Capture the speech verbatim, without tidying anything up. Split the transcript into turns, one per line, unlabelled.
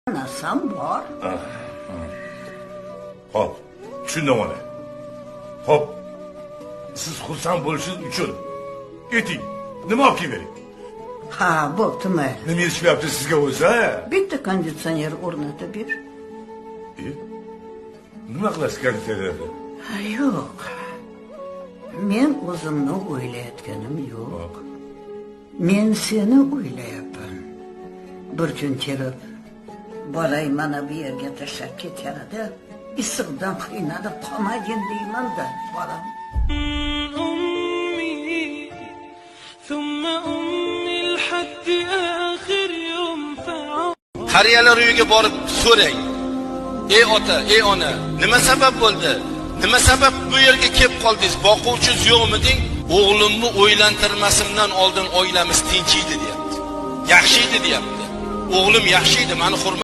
Narsam bor.
Hop, tushundim ona. Hop, siz xursand bo'lishingiz uchun ayting, nima olib kelib?
Ha, bo'pti mayli.
Nima yetishmayapti sizga o'zi?
Bitta konditsioner o'rnatib ber.
E? Nima qilasiz konditsionerni?
Ha, yo'q. Men o'zimni o'ylayotganim yo'q. Men seni o'ylayapman. Bir kun kelib bolay mana bu yerga tashlab ketganida issiqdan qiynalib qolmagin deyman-da, bolam.
Qariyalar uyiga borib so'rang. Ey ota, ey ona, nima sabab bo'ldi? Nima sabab bu yerga kelib qoldingiz? Boquvchingiz yo'qmiding? O'g'limni o'ylantirmasimdan oldin oilamiz tinch edi, deyapti. Yaxshi edi, deyapti. O'g'lim yaxshi edi, meni hurmat